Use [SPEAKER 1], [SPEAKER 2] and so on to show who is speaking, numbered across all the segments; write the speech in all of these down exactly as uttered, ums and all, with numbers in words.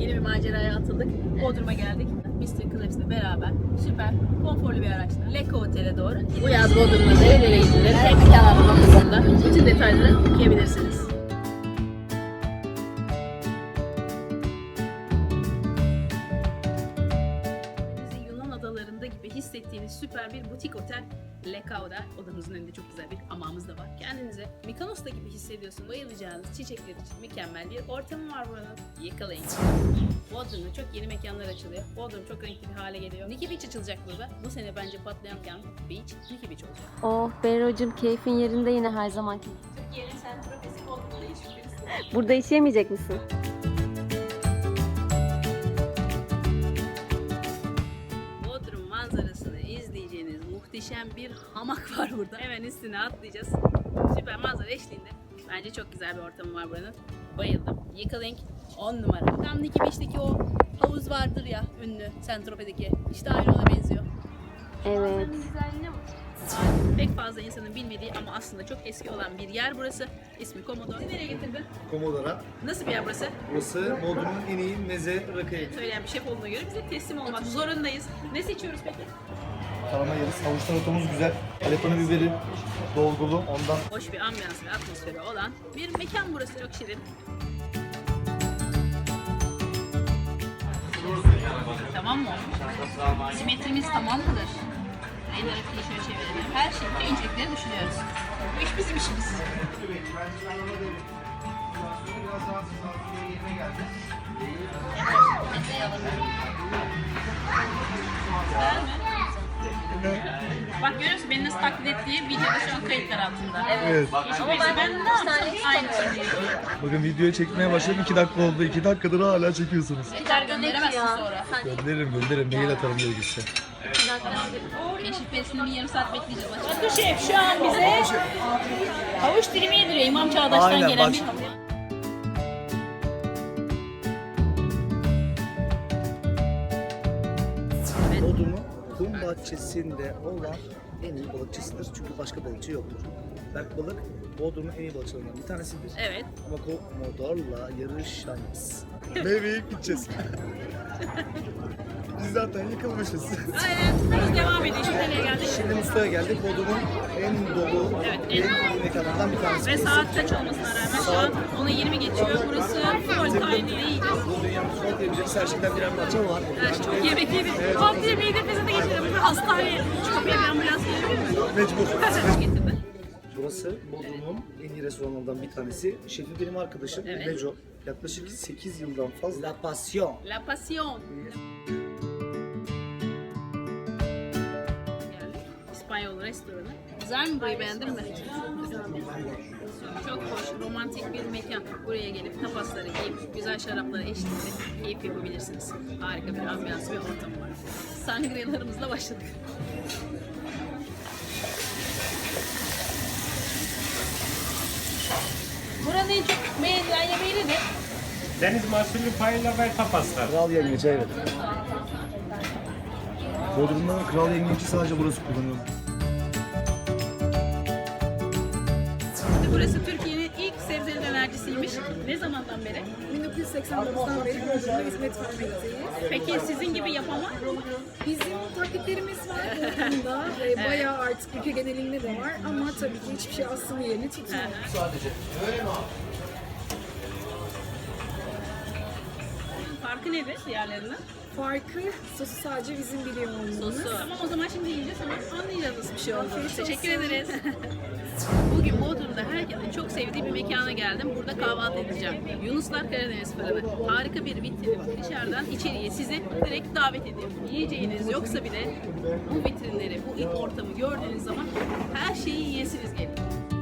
[SPEAKER 1] Yeni bir maceraya atıldık. Bodrum'a geldik. mister Collapse'le beraber süper, konforlu bir araçla Leko Otel'e doğru. Bu yaz Bodrum'da nerelere gidilir? Hem mekan anlamında bütün detayları okuyabilirsiniz. Yunan adalarında gibi hissettiğiniz süper bir butik otel Lekao'da. Odamızın önünde çok güzel bir hamamımız da var. Kendinize Mikonos'ta gibi hissediyorsun. Bayılacağınız çiçekler için mükemmel bir ortamı var buranın. Yakalayın. Bodrum'da çok yeni mekanlar açılıyor. Bodrum çok renkli bir hale geliyor. Nikki Beach açılacak burada. Bu sene bence patlayan mekan Beach, Nikki Beach olacak.
[SPEAKER 2] Oh Berro'cum, keyfin yerinde yine her zamanki.
[SPEAKER 1] Türkiye'nin sentrofesi Bodrum'da yaşıyoruz.
[SPEAKER 2] Burada işleyemeyecek misin?
[SPEAKER 1] Bodrum manzarasını izleyeceğiniz muhteşem bir hamak var burada. Hemen üstüne atlayacağız. Süper manzara eşliğinde. Bence çok güzel bir ortamı var buranın. Bayıldım. Yakalayın on numara. Tam Nikki Beach'teki o havuz vardır ya, ünlü Saint-Tropez'deki. İşte aynı ona benziyor.
[SPEAKER 2] Evet.
[SPEAKER 1] Pek fazla insanın bilmediği ama aslında çok eski olan bir yer burası. İsmi Komodo. Seni nereye getirdin?
[SPEAKER 3] Komodora.
[SPEAKER 1] Nasıl bir yer burası?
[SPEAKER 3] Burası Bodrum'un en iyi meze rakı evi.
[SPEAKER 1] Söyleyen bir şef olduğuna göre bize teslim olmak zorundayız. Ne seçiyoruz peki?
[SPEAKER 3] Tarama yeriz. Havuç taratomuz güzel. Alepano biberi dolgulu. Ondan
[SPEAKER 1] Hoş bir ambiyans ve atmosferi olan bir mekan burası. Çok şirin. Tamam mı? Simetrimiz tamam mıdır? El hareketi şöyle çevirelim. Her şeyde incelikleri düşünüyoruz. Bu iş bizim işimiz. Güzel mi? Bak görüyor musun beni nasıl taklit ettiği videoda şu an kayıtlar altında.
[SPEAKER 3] Evet.
[SPEAKER 1] Ama ben, ben ne yaptım? Aynı şey.
[SPEAKER 3] Bakın videoyu çekmeye başladım. iki dakika oldu. iki dakikadır hala çekiyorsunuz.
[SPEAKER 1] Tekrar gönderemezsin sonra.
[SPEAKER 3] Gönderirim gönderirim. Mail atarım gerekirse.
[SPEAKER 1] Keşif pesini bir yarım saat bekleyeceğiz. Bakın şef şu an bize havuç dilimi yediriyor. İmam Çağdaş'tan
[SPEAKER 3] Aynen,
[SPEAKER 1] gelen
[SPEAKER 3] bak.
[SPEAKER 1] bir
[SPEAKER 3] Bodrum'un kum bahçesinde olan en iyi balıkçısıdır. Çünkü başka balıkçı yoktur. Berk Balık Bodrum'un en iyi balıkçılarından bir tanesidir.
[SPEAKER 1] Evet.
[SPEAKER 3] Ama Komodor'la yarışamaz. Meyve yiyip gideceğiz. Biz zaten yıkılmışız.
[SPEAKER 1] Aynen. Biz devam ediyor. Şimdi nereye geldik?
[SPEAKER 3] Şimdi Mustafa'ya geldik. Bodrum'un en dolu,
[SPEAKER 1] Evet,
[SPEAKER 3] en
[SPEAKER 1] en-
[SPEAKER 3] iyi mekanlarından bir tanesi.
[SPEAKER 1] Ve saat kaç olmasına rağmen şu an ona yirmi geçiyor. Burası full time değil.
[SPEAKER 3] Bu dünyanın son diyebileceğimiz her şeyden birer parça var.
[SPEAKER 1] Evet, çok yemek yedik. Halk yemeği de bizi de geçirelim. Burada hastaneye. Şu kapıya bir ambulans gelebilir mi?
[SPEAKER 3] Mecbur.
[SPEAKER 1] Kaç getirdi?
[SPEAKER 3] Burası Bodrum'un en iyi restoranlarından bir tanesi. Şefi benim arkadaşım
[SPEAKER 1] Evet.
[SPEAKER 3] Neco. Yaklaşık sekiz yıldan fazla. La Passion.
[SPEAKER 1] La Passion. Geldik. İspanyol restoranı. Güzel mi burayı, beğendin mi? Çok hoş, romantik bir mekan. Buraya gelip tapasları yiyip güzel şaraplara eşliğinde keyif yapabilirsiniz. Harika bir ambiyans ve ortam var. Sangriyalarımızla başladık. Buranın en çok beğenilen yemeği nedir?
[SPEAKER 4] Deniz mahsulü paella ve tapaslar.
[SPEAKER 3] Kral yengeci evet. Bodrum'da kral yengeci sadece burası kullanıyor.
[SPEAKER 1] Burası Türkiye'nin ilk sebzeli dönercisiymiş. Ne zamandan beri?
[SPEAKER 5] bin dokuz yüz seksen dokuzdan beri Bodrum'da hizmet vermekteyiz.
[SPEAKER 1] Peki sizin gibi yapan var mı?
[SPEAKER 5] Bizim taklitlerimiz var Bodrum'da ve bayağı artık ülke genelinde de var ama tabii ki hiçbir şey aslında yerini tutmuyor.
[SPEAKER 1] Farkı nedir diğerlerinden?
[SPEAKER 5] Farkı sosu sadece bizim biliyor olmamız.
[SPEAKER 1] Sosu. Tamam o zaman şimdi yiyeceğiz ama anlayacağız nasıl bir şey olduğunu.
[SPEAKER 5] Afiyet
[SPEAKER 1] Teşekkür
[SPEAKER 5] olsun.
[SPEAKER 1] ederiz. Bugün Bodrum'da herkesin çok sevdiği bir mekana geldim. Burada kahvaltı edeceğim. Yunuslar Karadeniz Fırını. Harika bir vitrin. Dışarıdan içeriye sizi direkt davet ediyor. Yiyeceğiniz yoksa bile bu vitrinleri, bu ilk ortamı gördüğünüz zaman her şeyi yiyesiniz geliyor.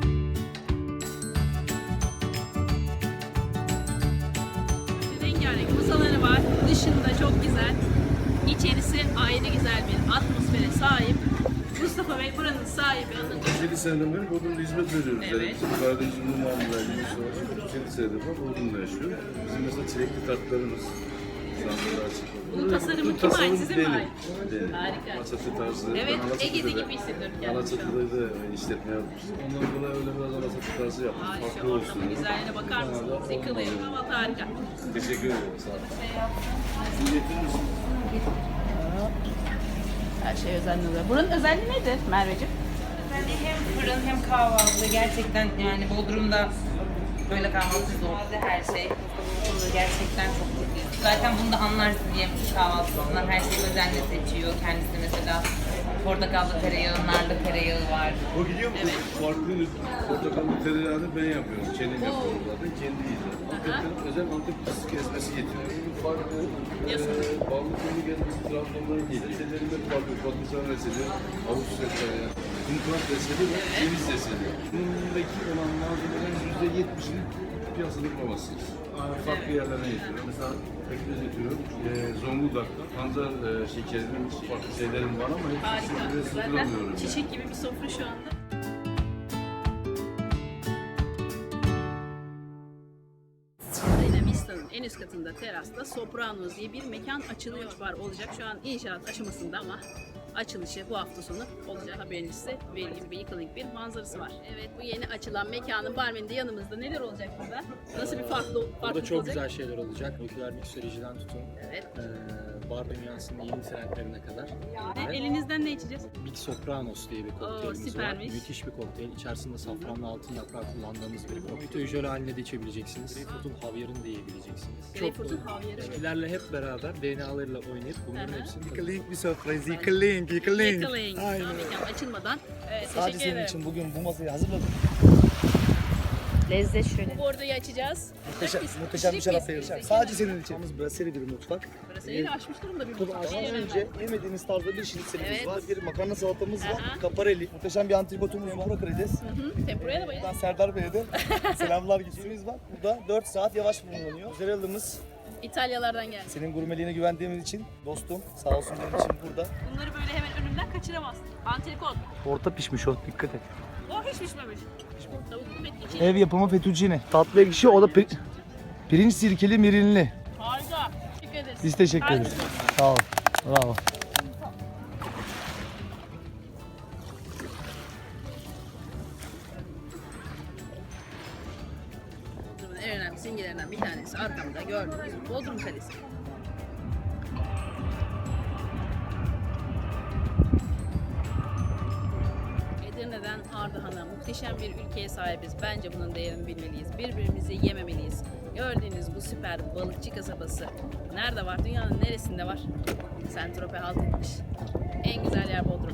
[SPEAKER 1] Rengarenk masaları var. Dışında çok güzel. İçerisi ayrı güzel bir atmosfere sahip. Mustafa Bey buranın sahibi, anlatıyor.
[SPEAKER 6] yedi seneden beri Bodrum'da hizmet veriyoruz.
[SPEAKER 1] Evet.
[SPEAKER 6] Yani bizim Karadeniz ürünü mamullerimiz var. yedi senedir var Bodrum'da yaşıyor. Bizim mesela çilekli tatlarımız, Sandalye açık.
[SPEAKER 1] Bunun tasarımı
[SPEAKER 6] Bu
[SPEAKER 1] kime ait?
[SPEAKER 6] tasarım
[SPEAKER 1] Size mi
[SPEAKER 6] benim.
[SPEAKER 1] ait?
[SPEAKER 6] Benim.
[SPEAKER 1] Harika.
[SPEAKER 6] Alaçatı tarzı.
[SPEAKER 1] Evet,
[SPEAKER 6] Ben Alaçatı'da
[SPEAKER 1] Ege'de
[SPEAKER 6] da-
[SPEAKER 1] gibi hissediyorum kendimi şu an.
[SPEAKER 6] Alaçatı'da da işletme yapmış. Ondan dolayı öyle biraz Alaçatı tarzı yaptım.
[SPEAKER 1] Ay,
[SPEAKER 6] Farklı
[SPEAKER 1] şu
[SPEAKER 6] olsun.
[SPEAKER 1] ortamın
[SPEAKER 6] dedim.
[SPEAKER 1] güzelliğine bakar mısınız? Yıkılıyor. Kahvaltı harika.
[SPEAKER 6] Teşekkür ederim. Sağ olun. Siz getirir misiniz?
[SPEAKER 1] Her şey özenli oluyor. Buranın özelliği nedir Merveciğim?
[SPEAKER 7] Yani hem fırın hem kahvaltı gerçekten yani Bodrum'da böyle kahvaltı zor. Her şey burada gerçekten çok iyi. Zaten bunu da anlarsın diye kahvaltısından her şeyi özenle seçiyor. Kendisi mesela portakallı tereyağı, narlı tereyağı var.
[SPEAKER 6] O gidiyor mu?
[SPEAKER 1] Evet.
[SPEAKER 6] Farklı portakallı tereyağını ben yapıyorum. Kendim yapıyorum zaten. Kendi yiyeceğim. Antep'ten özel Antep fıstık ezmesi getiriyorum. Farklı e, ballı köyü gezmesi Trabzon'dan değil. Reçellerim hep farklı. Patlıcan reçeli, havuç reçeli, kumkurat reçeli ve ceviz reçeli. Bundaki olan malzemelerin yüzde yetmişini piyasada bulamazsınız. Farklı yerlerine getiriyorum. Mesela pekmez getiriyorum. E, Zonguldak'ta pancar e, şekerinin farklı şeylerim var ama hepsini
[SPEAKER 1] Harika.
[SPEAKER 6] sürdüre
[SPEAKER 1] Zaten
[SPEAKER 6] sığdıramıyorum.
[SPEAKER 1] çiçek gibi bir sofra şu anda. Yine Vista'nın en üst katında terasta Sopranos diye bir mekan açılıyor var olacak. Şu an inşaat aşamasında ama açılışı bu hafta sonu olacağı haberiniz size vereyim. Bir yıkılık bir manzarası var. Evet, bu yeni açılan mekanın barmeni de yanımızda. Neler olacak burada? Nasıl bir farklı
[SPEAKER 8] Burada
[SPEAKER 1] farklılık
[SPEAKER 8] çok
[SPEAKER 1] olacak?
[SPEAKER 8] güzel şeyler olacak. Nükleer miksolojiden tutun,
[SPEAKER 1] Evet.
[SPEAKER 8] eee bar dünyasının yeni trendlerine kadar.
[SPEAKER 1] Ve elinizden ne içeceğiz?
[SPEAKER 8] Big Sopranos diye bir kokteylimiz var.
[SPEAKER 1] süpermiş.
[SPEAKER 8] Müthiş bir kokteyl. İçerisinde safranlı altın yaprağı kullandığımız bir kokteyl. Jöle halinde de içebileceksiniz. Greyfurt'un havyarını da yiyebileceksiniz.
[SPEAKER 1] Greyfurt'un havyarı.
[SPEAKER 8] Bitkilerle hep beraber D N A'larıyla oynayıp bunların
[SPEAKER 1] Hı hı.
[SPEAKER 8] hepsini
[SPEAKER 3] Yıkılink bir sofrayız. Yıkılink, yıkılink.
[SPEAKER 1] Yakalayın.
[SPEAKER 3] Aynen.
[SPEAKER 1] Daha mekan açılmadan. Evet,
[SPEAKER 3] Sadece
[SPEAKER 1] teşekkür
[SPEAKER 3] senin
[SPEAKER 1] ederim.
[SPEAKER 3] için bugün bu masayı hazırladım.
[SPEAKER 7] Lezzet şöyle.
[SPEAKER 1] Bu bordoyu açacağız.
[SPEAKER 3] Muhteşem,
[SPEAKER 1] Biz-
[SPEAKER 3] muhteşem bir
[SPEAKER 1] biz-
[SPEAKER 3] şarap
[SPEAKER 1] biz-
[SPEAKER 3] vereceğim.
[SPEAKER 1] biz-
[SPEAKER 3] Sadece senin için. Yalnız brasserie bir mutfak.
[SPEAKER 1] Burası yeni açmış durumda bir
[SPEAKER 3] Tabii
[SPEAKER 1] mutfak.
[SPEAKER 3] açmadan
[SPEAKER 1] Beğenmem
[SPEAKER 3] önce yemediğiniz tarzda bir şinitselimiz
[SPEAKER 1] Evet.
[SPEAKER 3] var. Bir makarna salatamız var.
[SPEAKER 1] Aha.
[SPEAKER 3] Kaparelli. Muhteşem bir antrikotumuz var. Tempura karides.
[SPEAKER 1] ben. Hı, Tempura'ya da bayıldım.
[SPEAKER 3] Buradan Serdar Bey'e de selamlar gittiğimiz var. Burada dört saat yavaş bulunuyor. Mozzarella'mız
[SPEAKER 1] İtalyalardan geldi.
[SPEAKER 3] senin gurmeliğine güvendiğimiz için dostum sağ olsun benim için burada.
[SPEAKER 1] Bunları böyle hemen önünden kaçıramazsın. Antrikot.
[SPEAKER 3] Orta pişmiş o, dikkat et.
[SPEAKER 1] O hiç pişmemiş. Tavuk et içi.
[SPEAKER 3] Ev yapımı fettuccine. Tatlı ekşi o da pi- pirinç sirkeli mirinli.
[SPEAKER 1] Harika. Teşekkür ederiz.
[SPEAKER 3] Biz teşekkür
[SPEAKER 1] Harika.
[SPEAKER 3] ederiz. Sağ ol. Bravo.
[SPEAKER 1] Bodrum'un en önemli simgelerinden bir tanesi arkamda gördüğünüz Bodrum Kalesi. Edirne'den Ardahan'a muhteşem bir ülkeye sahibiz. Bence bunun değerini bilmeliyiz. Birbirimizi yememeliyiz. Gördüğünüz bu süper balıkçı kasabası nerede var? Dünyanın neresinde var? Saint-Tropez halt etmiş. En güzel yer Bodrum.